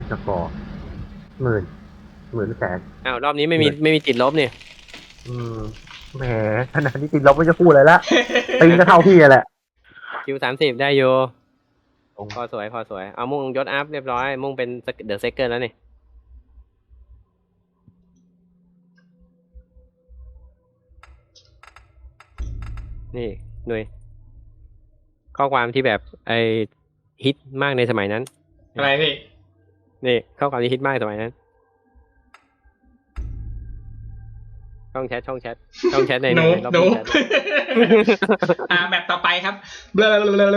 สกอร์10,000 10,000 อ้าวรอบนี้ไม่มีติดลบเนี่ยแหมขนาดนี้ติดลบไม่จะพูดเลยละตีก็เท่าพี่แหละคิว30ได้อยู่พอสวยเอามุ่งยศอัพเรียบร้อยมุ่งเป็นเดอะเซคเกิลแล้วนี่หน่วยข้อความที่แบบฮิตมากในสมัยนั้นอะไรพี่นี่ข้อความที่ฮิตมากสมัยนั้นช่องแชทในหนูแชทแบบต่อไปครับเบล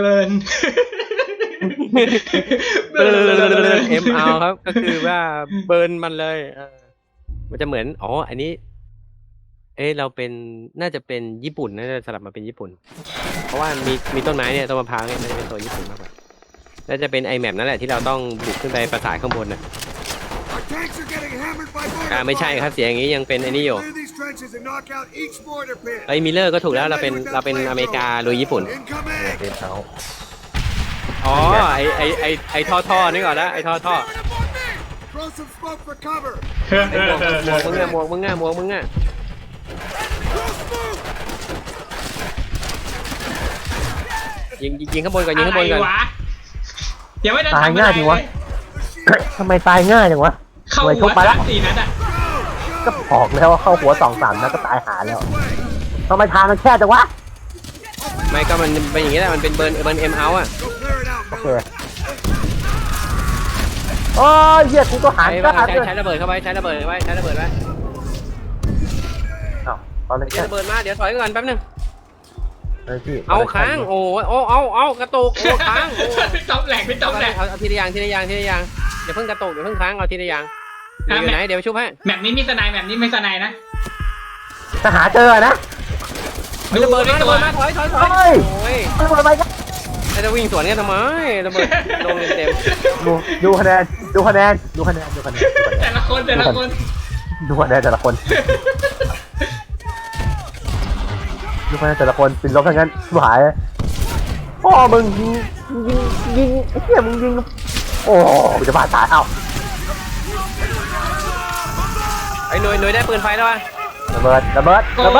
เอ็มเอาครับก็คือว่าเบิร์นมันเลยมันจะเหมือนอันนี้เราเป็นน่าจะเป็นญี่ปุ่นน่าจะสลับมาเป็นญี่ปุ่นเพราะว่ามีต้นไม้เนี่ยต้นมะพร้าวเนี่ยมันจะเป็นตัวญี่ปุ่นมากกว่าน่าจะเป็นไอแมปนั่นแหละที่เราต้องบุกขึ้นไปปราสาทข้างบนน่ะไม่ใช่ครับเสียงอย่างนี้ยังเป็นไอ้นี่อยู่มิลเลอร์ก็ถูกแล้วเราเป็นอเมริกาลุยญี่ปุ่นเป็นเขาไอท่อนี่ก่อนนะไอท่อหมวกมึงอ่ะยิงข้างบนก่อนยังไม่ได้ตายง่ายจริงวะทำไมตายง่ายจังวะเข้าหัว3-4 นัดอ่ะก็บอกแล้วว่าเข้าหัว2-3 นัดก็ตายหาแล้วทำไมทางมันแคบจังวะไม่ก็มันเป็นอย่างนี้แหละมันเป็นเบิร์นเอ็มเอาอ่ะโอเคโอ้ยเหี้ยกูก็หันก็หันใช้ระเบิดเข้าไปใช้ระเบิดไว้ตอนนี้ใช้ระเบิดมาเดี๋ยวถอยก่อนแป๊บนึงพี่เอาค้างเอากระตุกค้างพี่ต๊อบแหลกเอาทีละอย่างอย่าเพิ่งกระตุกอย่าเพิ่งค้างเอาทีละอย่างอยู่ไหนเดี๋ยวชุบให้แบบนี้มีสไนด์แบบนี้ไม่สไนด์นะจะหาเจอนะระเบิดมาถอยโอ้ยระเบิดไปกันจะวิ่งสวนกันทำไมระเบิดลงเต็มดูคะแนนแต่ละคนดูคะแนนแต่ละคนปิดลบทั้งนั้นหายพ่อมึงยิงไอ้เหี้ยมึงยิงโอ้มึงจะบาดตายเอ้าไอ้หน่วยได้ปืนไฟแล้ววะระเบิดแป๊บ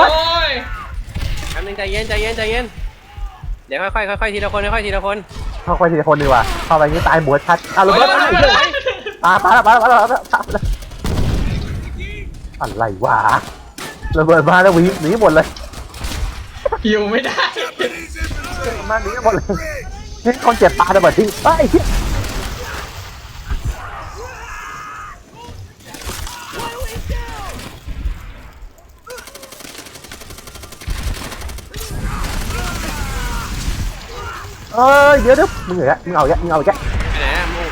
นึงใจเย็นเดี๋ยวค่อยทีละคนเข้าไปทีละคนดีกว่าเข้าไปนี่ตายหมดชัดระเบิดปาอะไรวะระเบิดมาแล้วหนีหมดเลยอยู่ไม่ได้มาหนีหมดเลยนี่คนเจ็บตาระเบิดทิ้งไอ้เดี๋ยวมึงเหรอมึงเอาแกไปไหนมึง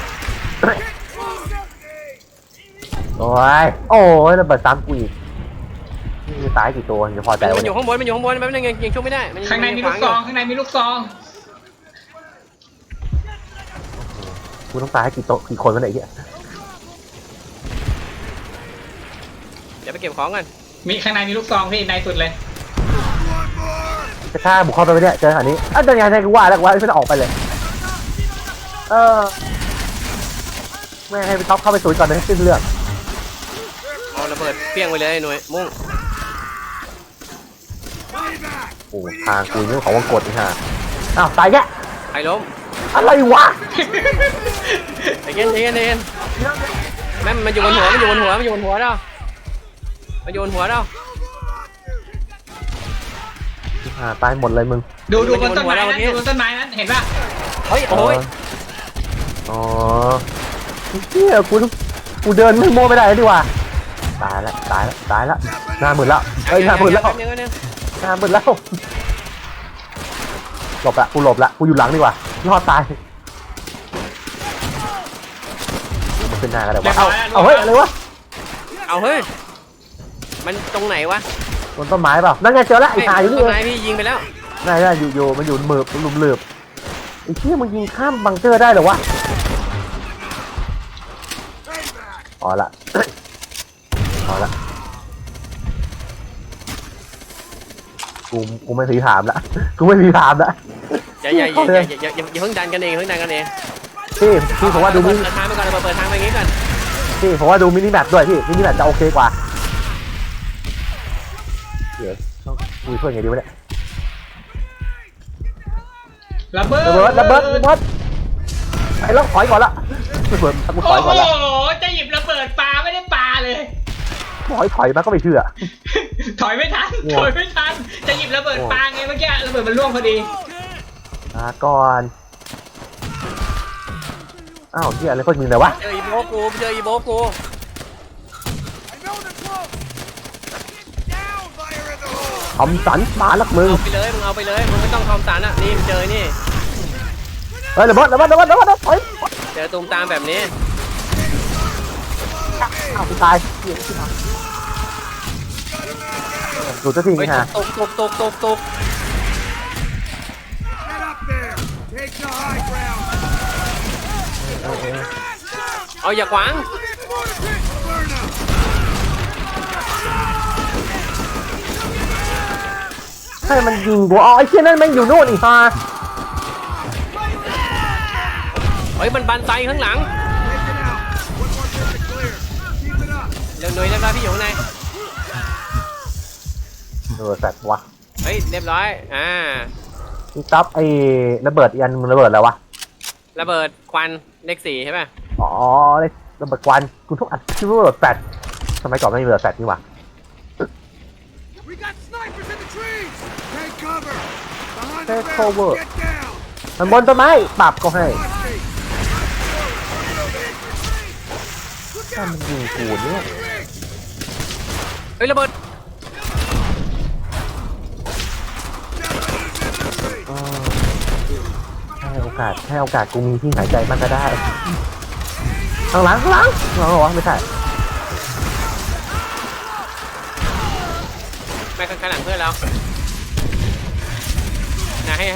โอ้ยระเบิดซ้ำกูอีกมีตายกี่ตัวจะพอใจมันอยู่ข้างบนแป๊บนึงยังชุบไม่ได้ข้างในมีลูกซองกูต้องตายกี่คนกันไหนเนี่ยเดี๋ยวไปเก็บของกันมีข้างในมีลูกซองพี่ในสุดเลยจะฆ่าบุกเข้าไปเนี่ยเจออันนี้เดินยังไงกูว่าแล้วไม่ต้องออกไปเลยแม่ให้ไปท็อปเข้าไปสูดก่อนเลยขึ้นเรื่องเอาระเบิดเปี้ยงไปเลยหน่วยมุ่งโอ้ทางกูเรื่องของวังกดนี่ฮะอ้าวตายแกใครล้มอะไรวะใจเย็นแม่มันอยู่บนหัวแล้วตายหมดเลยมึงดูบนต้นไม้นั้นเห็นป่ะโอ้ยเฮียกูเดินไม่โม่ไม่ได้ดีกว่าตายแล้วหน้ามืดแล้วหน้ามืดแล้วหลบละกูอยู่หลังดีกว่ารอดตายมันขึ้นหน้ากันเลยวะเอาเฮ้ยอะไรวะมันตรงไหนวะบนต้นไม้เปล่านั่นไงเจอแล้วไอ้ชายอยู่นี่ต้นไม้พี่ยิงไปแล้วได้อยู่มันอยู่หลุมเหลือบไอ้เชี่ยมึงยิงข้ามบังเกอร์ได้เหรอวะพอละกูไม่ถามละอย่าเพิ่งดันกันเองพี่ผมว่าดูมินิเปิดทางไปก่อนเปิดทางไปอย่างงี้ก่อนพี่ผมว่าดูมินิแมปด้วยพี่มินิแมปจะโอเคกว่าเดี๋ยวต้องคุยเพื่อนไงดีวะเนี่ยระเบิดระเบิดไปแล้วถอยก่อนละระเบิดกูถโอ้อยก่อนละโหจะหยิบระเบิดปลาไม่ได้ปลาเลยถอยมาก็ไม่เชื่อถอยไม่ทันจะหยิบระเบิดปลาไงเมื่อกี้ระเบิดมันร่วงพอดีก่อนอ้าวเฮียอะไรก็มึงเลยวะเจออีโบกูทำสันมาลักมึงเอาไปเลยมึงไม่ต้องทอมสันอ่ะนี่เจอนี่เฮ้ยระเบิดถอยเจอตูมตามแบบนี้อ้าวตายดูจะทิ้งเฮ้ยฮะตก เอาอย่าขวางให้มันยิงกูอ๋อไอ้เชี่ยนั่นแม่งอยู่นู่นอีกฮะเฮ้ยมันบันไซข้างหลังเร็วหน่อยเรียบร้อยพี่อยู่ข้างในแฟดวะเฮ้ยเรียบร้อยนี่ตับไอ้ระเบิดยันมึงระเบิดแล้ววะระเบิดควันเลข4ใช่ป่ะอ๋อระเบิดควันกูทุกอันชื่อระเบิดแฟดสมัยก่อนไม่มีระเบิดแฟดนี่หว่า Take cover มันบนต้นไม้ปรับก็ให้ถ้ามันยิงกูเนี่ยเฮ้ยระเบิดให้โอกาสกูมีที่หายใจมันก็ได้ข้างหลังเหรอวะไม่ใช่ไม่ข้างหลังเพื่อนเรานะให้ห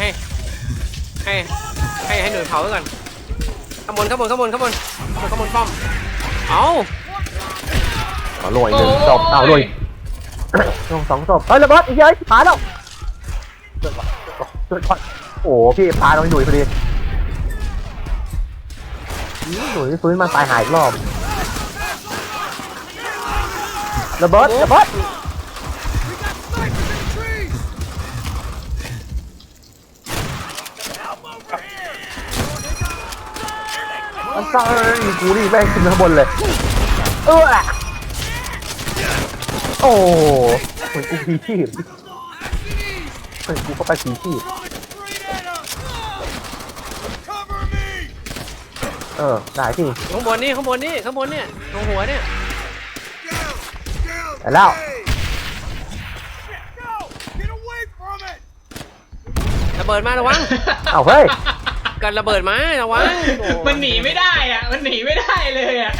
น่วยเผาไว้ก่อนข้างบนป้อมเอาโรยหนึ่งศพโรยลง2 ศพเฮ้ยระเบิดอีกเยอะผาแล้วโอ้พี่พาน้องหนุ่ยพอดีหนุ่ยฟื้นมาตายหายอีกรอบระเบิดมันตายกูนี่แม่งขึ้นข้างบนเลยโอ้เหมือนกูพีชีพเหมือนกูเข้าไปพีชีพได้ที่ข้างบนนี่ตรงหัวเนี่ยไปแล้วระเบิดมาระวังเอาเฮ้ยกันระเบิดมาระวังมันหนีไม่ได้อ่ะมันหนีไม่ได้เลยอ่ะ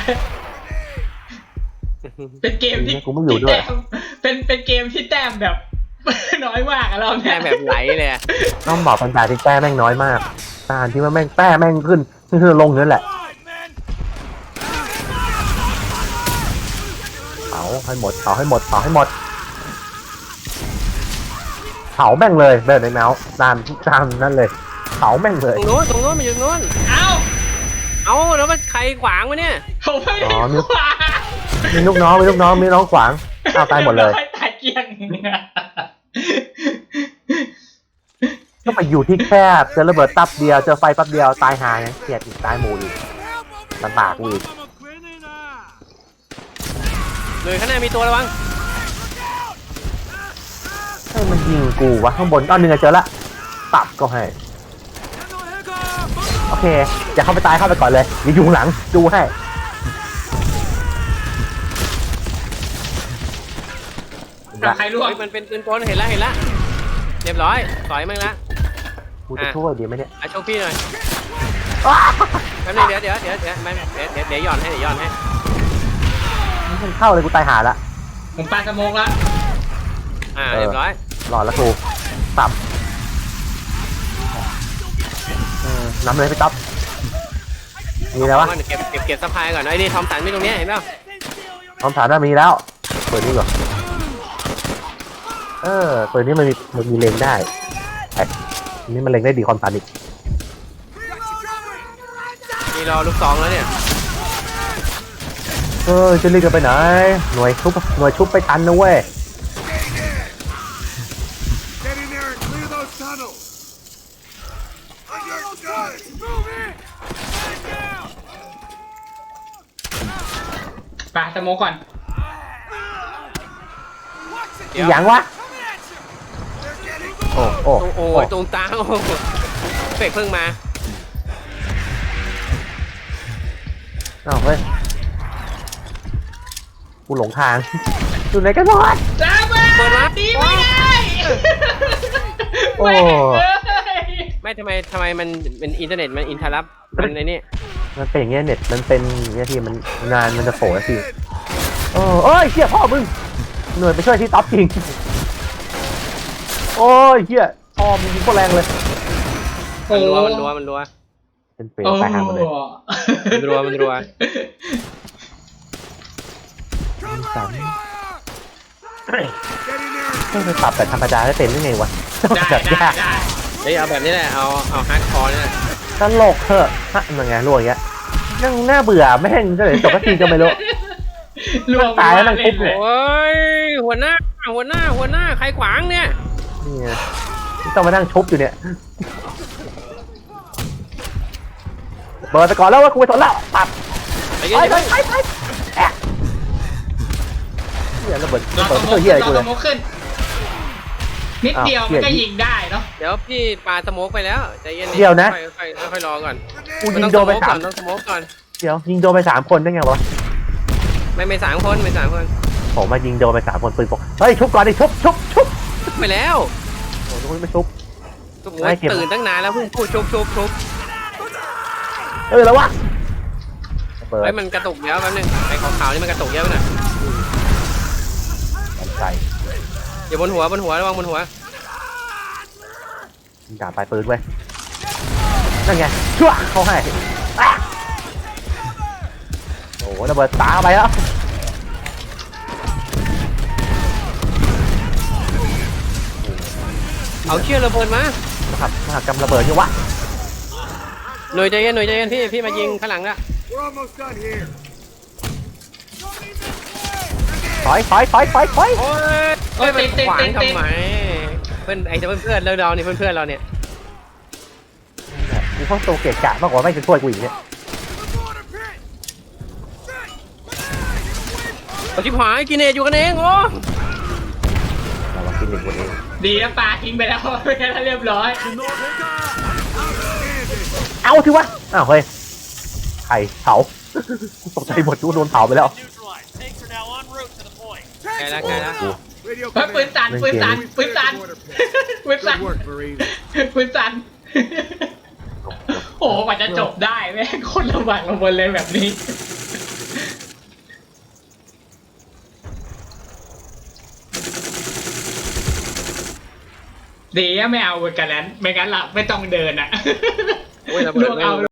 เป็นเกมที่กูไม่อยู่ด้วยเป็นเกมที่แต้มแบบ น้อยมากอะเราแม่เนี่ยแบบไหลเลยต้องบอกปัญญาที่แป้แม่งน้อยมากการที่ว่าแม่งแป้แม่งขึ้นลงนั่นแหละเผาให้หมดเผาแม่งเลยเดินในแมวตามนั่นเลยเผาแม่งเลยตรงโน้นมันอยู่ตรงโน้นเอาแล้วมันใครขวางวะเนี่ยผมไม่ได้ขวามีลูกน้องขวางเอาตายหมดเลยตายเกลี้ยงก็ไปอยู่ที่แคบเจอระเบิดตับเดียวเจอไฟปั๊บเดียวตายหายเกลียดอีกตายหมู่อีกลำบากกูอีกเลยข้างหน้ามีตัวระวังให้มันยิงกูวะข้างบนหนึ่งเจอละตับก็ให้โอเคอย่าเข้าไปตายเข้าไปก่อนเลยอย่าอยู่หลังดูให้ใครร่วงมันเป็นปืนกลเห็นละเรียบร้อยต่อยมั้งละกูจะช่วยดีไหมเนี่ยโชว์พี่หน่อยแป๊บนึงเดี๋ยวหย่อนให้ไม่เข้าเลยกูตายหาละผมปาสโมกละเรียบร้อยหลอดละกูตับน้ำเลยพี่ต๊อบมีแล้ววะเก็บสะพายก่อนไอ้นี่ทอมสันไม่ตรงนี้เห็นเปล่าคำถามว่ามีแล้วเปิดนี่ก่อนเปิดนี่มันมีเลงได้ไอ้นี่มันเลงได้ดีความตันอีกมีรอลูกซองแล้วเนี่ยจะรีบกันไปไหนหน่วยชุบไปทันนะเว้ย Get in there and clear those tunnels! Understood! Move in! Get down! ปาสโมกก่อนเดี๋ยวอย่างวะ They're getting โอ้โอ้โอ้ยตรงตางโอ้โหเฟกเพิ่งมาอ้าวเฮ้ยกูหลงทางอยู่ไหนกันหมดจ้าบ้าเปิดมาดีไม่ได้โอ้แม่งเลยไม่ทำไมมันเป็นอินเทอร์เน็ตมันอินทารับมันในนี่มันเป็นอย่างเงี้ยเน็ตมันเป็นอย่างเงี้ยทีมันงานมันจะโผล่ทีเอ้ยเชี่ยพ่อมึงหน่วยไปช่วยที่ท็อปจริงโอ้ยเชี่ยพ่อมึงยิงโคตรแรงเลยโอ้มันรัวมันรัวเป็นเปรตตายห่าหมดเลยมันรัว Cover fire! Get in there and ต้องไปปรับแต่ธรรมดาได้เป็นได้ไงวะได้แบบได้ยากได้เฮ้ยเอาแบบนี้แหละเอาฮาร์ดคอร์นี่แหละตลกเถอะฮะมันไงรวยอย่างเงี้ยนั่งน่าเบื่อแม่งจะเลยจบสักทีก็ไม่รู้รวมตายแล้วมันปุ๊บเลยโอ้ยหัวหน้าใครขวางเนี่ยนี่ไงต้องมานั่งชุบอยู่เนี่ยเบิร์ดไปก่อนแล้วว่ากูไปทนแล้วปับไปไปกันไปแอะเฮียระเบิดรอระสเบิดโมไม่กช่วยเฮียอะไรกูรอเลสยโมกขึ้น นิดเดียวมันก็ยิงได้เนาะเดี๋ยวพี่ปาสโมกไปแล้วใจเย็นเดี๋ยวนะค่อยรอก่อนกูยิงโดนไปสามต้องสโมกก่อนเดี๋ยวยิงโดนไป3 คนได้ไงวะไม่สามคนผมมายิงโดนไป3 คนปืนปกเฮ้ยชุบก่อนดิชุบไปแล้วโอ้ยไม่ชุบโอ้ยตื่นตั้งนานแล้วเพิ่งพูดชุบแล้ววะเปิดเฮ้ยมันกระตุกเยอะแป๊บนึงไอ้ขาวๆนี่มันกระตุกเยอะไปหน่อยใส่อย่าบนหัวระวังบนหัวด่าปลายปืนเว้ยนั่นไงชั่วเขาให้อ่ะโอ้โหระเบิดตาไปแล้วเอาเชือกระเบิดมามหากรรมระเบิดอยู่วะหน่วยใจเย็นพี่มายิงข้างหลังละ we're almost done here. ถอยโอ้ยมันขวางทำไมเพื่อนเราเนี่ยเพื่อนเราเนี่ยกูเข้าโตเกะกะมากกว่าไม่จะช่วยกูอีกเนี่ยเอาชิบหายกินเนตอยู่กันเองโอ้เราลองกินหนึ่งคนเองดีนะปลาทิ้งไปแล้วไม่งั้นเรียบร้อยเอาทีวะอ้าวเฮ้ยไข่เผาตกใจหมดกูโดนเผาไปแล้วไกลละโอ้โห Radio เฮ้ยปืน command. สั่นปืนสั่นปืนสั่นปืนสั่น Good work, Marine. ปืนสั่นโอ้โหกว่าจะจบได้แม่งคนลำบากลำบนเลยแบบนี้ ดีอะไม่เอากันนั้นไม่งั้นล่ะไม่ต้องเดินอ่ะโอ้ยระเบิดลวกเอา